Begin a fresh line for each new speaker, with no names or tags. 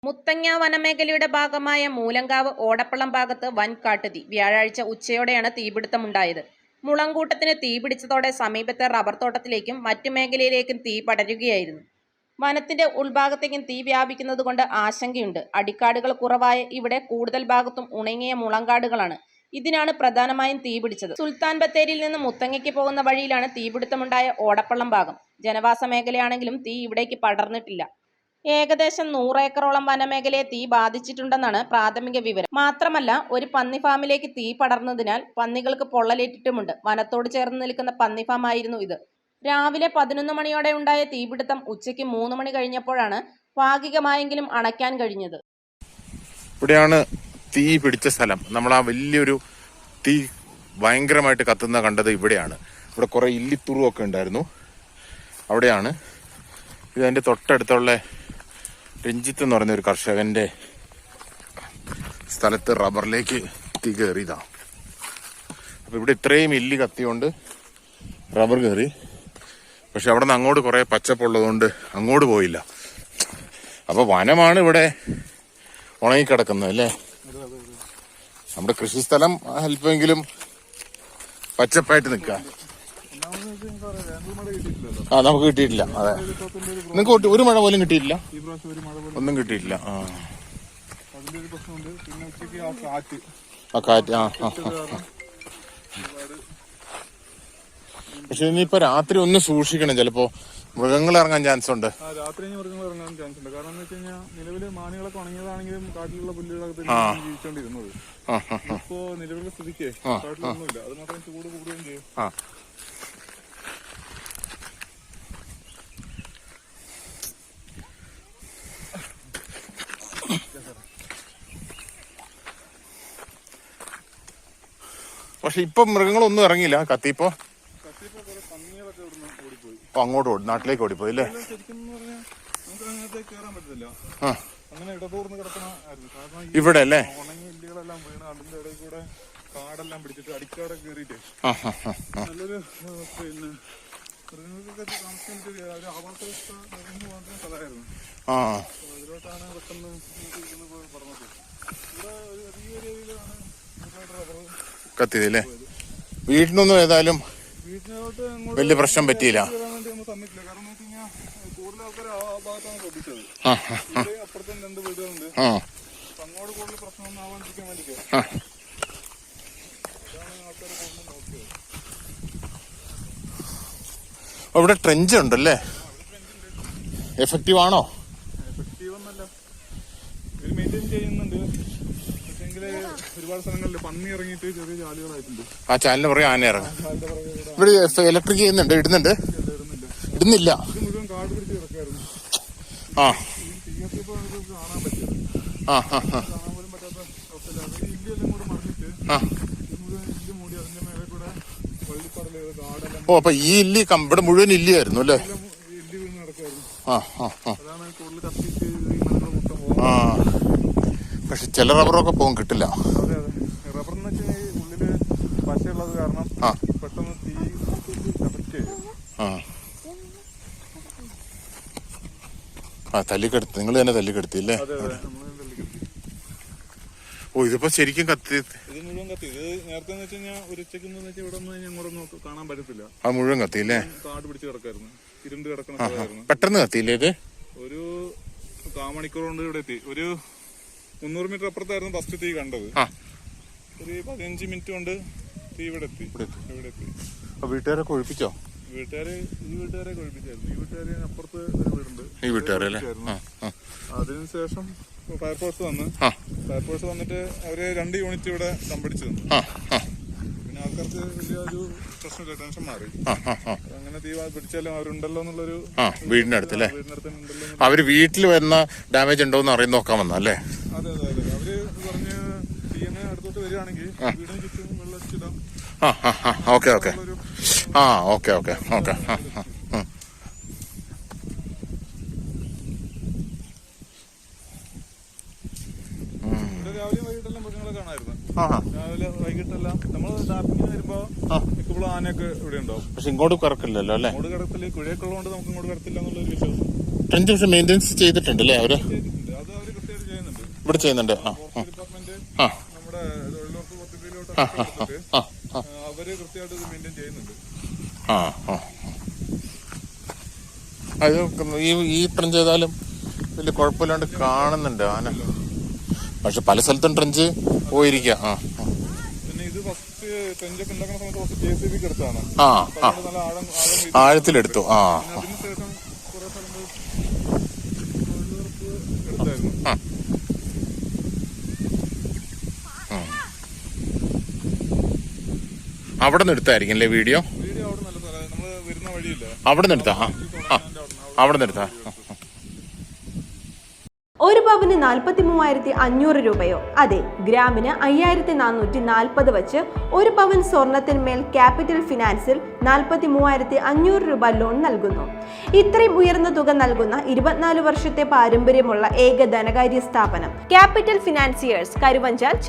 മുത്തങ്ങ വനമേഖലയുടെ ഭാഗമായ മൂലങ്കാവ് ഓടപ്പള്ളം ഭാഗത്ത് വൻ കാട്ടുതീ. വ്യാഴാഴ്ച ഉച്ചയോടെയാണ് തീപിടുത്തമുണ്ടായത്. മുളങ്കൂട്ടത്തിന് തീപിടിച്ചതോടെ സമീപത്തെ റബ്ബർ തോട്ടത്തിലേക്കും മറ്റു മേഖലയിലേക്കും തീ പടരുകയായിരുന്നു. വനത്തിന്റെ ഉൾഭാഗത്തേക്കും തീ വ്യാപിക്കുന്നതുകൊണ്ട് ആശങ്കയുണ്ട്. അടിക്കാടുകൾ കുറവായ ഇവിടെ കൂടുതൽ ഭാഗത്തും ഉണങ്ങിയ മുളങ്കാടുകളാണ്. ഇതിനാണ് പ്രധാനമായും തീപിടിച്ചത്. സുൽത്താൻ ബത്തേരിയിൽ നിന്ന് മുത്തങ്ങയ്ക്ക് പോകുന്ന വഴിയിലാണ് തീപിടുത്തമുണ്ടായ ഓടപ്പള്ളം ഭാഗം. ജനവാസ മേഖലയാണെങ്കിലും തീ ഇവിടേക്ക് പടർന്നിട്ടില്ല. ഏകദേശം 100 ഏക്കറോളം വനമേഖലയെ തീ ബാധിച്ചിട്ടുണ്ടെന്നാണ് പ്രാഥമിക വിവരം. മാത്രമല്ല, ഒരു പന്നി ഫാമിലേക്ക് തീ പടർന്നതിനാൽ പന്നികൾക്ക് പൊള്ളലേറ്റിട്ടുമുണ്ട്. വനത്തോട് ചേർന്ന് നിൽക്കുന്ന പന്നി ഫാം ആയിരുന്നു ഇത്. രാവിലെ 11 മണിയോടെ ഉണ്ടായ തീപിടുത്തം ഉച്ചയ്ക്ക് 3 മണി കഴിഞ്ഞപ്പോഴാണ് ഭാഗികമായെങ്കിലും അണയ്ക്കാൻ കഴിഞ്ഞത്.
ഇവിടെയാണ് തീ പിടിച്ച സ്ഥലം. നമ്മൾ ആ വലിയൊരു തീ ഭയങ്കരമായിട്ട് കത്തുന്ന കണ്ടത് ഇവിടെയാണ്. ഇവിടെ കുറെ ഇല്ലിത്തുറുവൊക്കെ ഉണ്ടായിരുന്നു. അവിടെയാണ് ഇത്. അതിന്റെ തൊട്ടടുത്തുള്ള രഞ്ജിത്ത് എന്ന് പറയുന്ന ഒരു കർഷകന്റെ സ്ഥലത്ത് റബ്ബറിലേക്ക് തീ കയറിയതാണ്. അപ്പൊ ഇവിടെ ഇത്രയും ഇല്ലി കത്തിയോണ്ട് റബ്ബർ കയറി. പക്ഷെ അവിടെ നിന്ന് അങ്ങോട്ട് കുറെ പച്ചപ്പുള്ളതുകൊണ്ട് അങ്ങോട്ട് പോയില്ല. അപ്പൊ വനമാണ് ഇവിടെ ഉണങ്ങിക്കിടക്കുന്നത് അല്ലേ. നമ്മുടെ കൃഷിസ്ഥലം അല്പമെങ്കിലും പച്ചപ്പായിട്ട് നിൽക്കാം. നമുക്ക് കിട്ടിയിട്ടില്ല. അതെ, നിങ്ങൾക്ക് ഒരു മഴ പോലും കിട്ടിയിട്ടില്ല. ഒന്നും കിട്ടിയിട്ടില്ല. ആ കാറ്റ്. പക്ഷെ ഇനിയിപ്പോ രാത്രി ഒന്ന് സൂക്ഷിക്കണം. ചിലപ്പോ മൃഗങ്ങൾ ഇറങ്ങാൻ ചാൻസ് ഉണ്ട്.
രാത്രി മൃഗങ്ങൾ ഇറങ്ങാൻ ചാൻസ് ഉണ്ട്. കാരണം എന്ന് വെച്ച് കഴിഞ്ഞാൽ നിലവില് മാനുകളൊക്കെ ഉണങ്ങിയതാണെങ്കിലും കാട്ടിലുള്ള പുല്ലുകളൊക്കെ ജീവിച്ചോണ്ടിരുന്നത്. ഇപ്പോ നിലവിലെ സ്ഥിതിക്ക് കാട്ടിലൊന്നുമില്ല. അത് മാത്രം ചൂട് കൂടുകയും ചെയ്യും.
പക്ഷെ ഇപ്പൊ മൃഗങ്ങളൊന്നും ഇറങ്ങിയില്ല. കത്തിപ്പോ അങ്ങോട്ട് ഓടി, നാട്ടിലേക്ക് ഓടിപ്പോയി അല്ലേ. ഇവിടെ അല്ലേ
ഇല്ലികളെല്ലാം വീണ് അതിന്റെ ഇടയിൽ കൂടെ കാടെല്ലാം പിടിച്ചിട്ട് അടിക്കാടൊക്കെ കയറിയിട്ട് നല്ലൊരു പിന്നെ മൃഗങ്ങൾക്കൊക്കെ താമസിക്കാൻ ഒരു ആവാസ വ്യവസ്ഥ നിറഞ്ഞു പോകുന്ന സ്ഥലമായിരുന്നു. അതിലോട്ടാണ് പെട്ടെന്ന് പറഞ്ഞത്. ഇവിടെ ഒരു വലിയ രീതിയിലാണ് റബ്ബർ
കത്തിയതല്ലേ. വീട്ടിനൊന്നും ഏതായാലും വലിയ പ്രശ്നം പറ്റിയില്ല.
സമ്മതിക്കില്ല. കാരണം എന്ന് വെച്ച് കഴിഞ്ഞാൽ കൂടുതൽ ആൾക്കാർ ആ ഭാഗത്താണ് ശ്രദ്ധിച്ചത്. അപ്പുറത്തും 2 വീടുകളുണ്ട്. അങ്ങോട്ട് കൂടുതൽ പ്രശ്നമൊന്നും ആവാണ്ടിരിക്കാൻ വേണ്ടിട്ട് ആൾക്കാർ കൂടുതൽ നോക്കിയത്.
അവിടെ ട്രെഞ്ച് ഉണ്ടല്ലേ. എഫക്റ്റീവ് ആണോ?
എഫക്റ്റീവ് ഒന്നല്ല, ഇവര് മെയിൻറ്റെയിൻ ചെയ്യുന്നുണ്ട്. ഒരുപാട് സ്ഥലങ്ങളിൽ പന്നി ഇറങ്ങിയിട്ട് ചെറിയ ചാലുകളായിട്ടുണ്ട്.
ആ ചാലിന് പുറകെ ആന ഇറങ്ങും. ഇവിടെ ഇലക്ട്രിക് ചെയ്യുന്നുണ്ട്. ഇടുന്നില്ല.
ഇത് മുഴുവൻ കാട് പിടിച്ച് കിടക്കായിരുന്നു. കാണാൻ പറ്റിയത് കാണാൻ പോലും പറ്റാത്ത അവസ്ഥയില്ല. ഇല്ലെല്ലാം കൂടെ മറിഞ്ഞിട്ട് മുഴുവൻ ഇല്ല് മൂടി അതിന്റെ മേലെ കൂടെ വള്ളിപ്പടല് കാടെല്ലാം.
ഓ, അപ്പൊ ഈ ഇല്ലി ഇവിടെ മുഴുവൻ ഇല്ലിയായിരുന്നു അല്ലേ.
ഇല്ല് വീണ് നടക്കായിരുന്നു. അതാണ് കൂടുതൽ കത്തിച്ച് ഈ മരങ്ങൾ മൊത്തം പോകും.
പക്ഷെ ചില റബ്ബറൊക്കെ പോകും, കിട്ടില്ല.
അതെ അതെ, റബ്ബർ എന്ന് വെച്ചാൽ ഉള്ളില് പശയുള്ളത് കാരണം പെട്ടെന്ന് തീ എഫക്റ്റ് ചെയ്യും.
തല്ലിക്കെടുത്ത് നിങ്ങൾ തന്നെ തല്ലിക്കെടുത്തില്ലേ. ഓ, ഇതിപ്പോ ശരിക്കും കത്തി.
ഇത് മുഴുവൻ കത്തി. ഇത് നേരത്തെ എന്ന് വെച്ച് കഴിഞ്ഞാൽ ഒരു ഉച്ചയ്ക്ക് ഇവിടെ ഒന്നും ഇങ്ങോട്ടൊന്നും കാണാൻ പറ്റത്തില്ല.
ആ മുഴുവൻ കത്തിയില്ലേ.
കാട് പിടിച്ച് കിടക്കായിരുന്നു. ഇരുണ്ട് കിടക്കണ സ്ഥലമായിരുന്നു.
പെട്ടെന്ന് കത്തിയില്ലേ ഇത്.
ഒരു കാമണിക്കൂർ കൊണ്ട് ഇവിടെ എത്തി. ഒരു 300 മീറ്റർ അപ്പുറത്തായിരുന്നു ഫസ്റ്റ് തീ കണ്ടത്. ഒരു 15 മിനിറ്റ് കൊണ്ട് തീ ഇവിടെ എത്തി.
വീട്ടുകാരൊക്കെ ഒഴിപ്പിച്ചോ?
ഈ വീട്ടുകാരെ ഒഴിപ്പിച്ചായിരുന്നു. ഈ വീട്ടുകാരെ അപ്പുറത്ത് ഒരു വീടുണ്ട്.
ഈ വീട്ടുകാരല്ലേ.
അതിനുശേഷം ഫയർഫോഴ്സ് വന്നിട്ട് അവര് 2 യൂണിറ്റ് ഇവിടെ സംഭരിച്ചു തന്നു. പിന്നെ ആൾക്കാർക്ക് വലിയൊരു പ്രശ്നമില്ല, ടെൻഷൻ മാറി. അങ്ങനെ തീ പിടിച്ചാലും അവരുണ്ടല്ലോ എന്നുള്ളൊരു
വീടിന്റെ അടുത്തല്ലേ. അവര് വീട്ടിൽ വരുന്ന ഡാമേജ് ഉണ്ടോ എന്ന് അറിയാൻ നോക്കാൻ വന്നല്ലേ.
അതെ അതെ അതെ, അവര് പറഞ്ഞ് തീയനെ അടുത്തോട്ട് വരികയാണെങ്കിൽ വീടിന് ചുറ്റും വെള്ളച്ചിടാം.
Okay okay okay okay okay.
രാവിലെയും വൈകിട്ടെല്ലാം മൃഗങ്ങളെ കാണാമായിരുന്നു. രാവിലെ വൈകിട്ടെല്ലാം നമ്മള് ഡാർക്കിങ്ങിന് വരുമ്പോ മിക്കപ്പോഴും ആനയൊക്കെ ഇവിടെ ഉണ്ടാവും.
പക്ഷെ ഇങ്ങോട്ട് കറക്കില്ലല്ലോ അല്ലേ.
ഇങ്ങോട്ട് കടത്തില് കുഴയൊക്കെ ഉള്ളതുകൊണ്ട് നമുക്ക് ഇങ്ങോട്ട് കടത്തില്ല എന്നുള്ളൊരു വിശ്വാസം.
ട്രെഞ്ച് പക്ഷെ മെയിൻ്റെനൻസ് ചെയ്തിട്ടുണ്ട് അല്ലേ അവര്.
ചെയ്തിട്ടുണ്ട്. അത് അവര് കൃത്യമായിട്ട് ചെയ്യുന്നുണ്ട്.
ഇവിടെ ചെയ്യുന്നുണ്ട്.
ഫോറസ്റ്റ് ഡിപ്പാർട്ട്മെന്റ് നമ്മുടെ തൊഴിലുറപ്പ് പദ്ധതിയിലോട്ട് അവര് കൃത്യമായിട്ട് ഇത് മെയിൻറ്റെയിൻ ചെയ്യുന്നുണ്ട്.
അത് ഈ ട്രെഞ്ച് ചെയ്താലും വലിയ കുഴപ്പമില്ലാണ്ട് കാണുന്നുണ്ട് ആന. പക്ഷെ പല സ്ഥലത്തും ട്രെഞ്ച് പോയിരിക്കുക.
പിന്നെ ഇത് ഫസ്റ്റ് ട്രെഞ്ചൊക്കെ ഉണ്ടാക്കുന്ന സമയത്ത് കുറച്ച് JCB എടുത്താണ്. നല്ല
ആഴത്തിലെടുത്തു.
അതിനുശേഷം കുറെ സ്ഥലങ്ങൾ തൊഴിലുറപ്പ് എടുത്തായിരുന്നു.
അവിടെ നിന്ന് എടുത്തായിരിക്കും അല്ലേ വീഡിയോ?
വീഡിയോ അവിടെ നല്ല സ്ഥലം, നമ്മള് വരുന്ന വഴിയില്ല,
അവിടെ നിന്ന് എടുത്താ? അവിടെ നിന്ന് എടുത്താ?
ഒരു പവന് 43,500 രൂപയോ? അതെ, ഗ്രാമിന് 5,440 വച്ച് ഒരു പവൻ സ്വർണത്തിന്മേൽ ക്യാപിറ്റൽ ഫിനാൻസിൽ 43,500 രൂപ ലോൺ നൽകുന്നു. ഇത്രയും ഉയർന്ന തുക നൽകുന്ന 24 വർഷത്തെ പാരമ്പര്യമുള്ള ഏക ധനകാര്യ സ്ഥാപനം ക്യാപിറ്റൽ ഫിനാൻസിയേഴ്സ്, കരുവഞ്ചാൽ.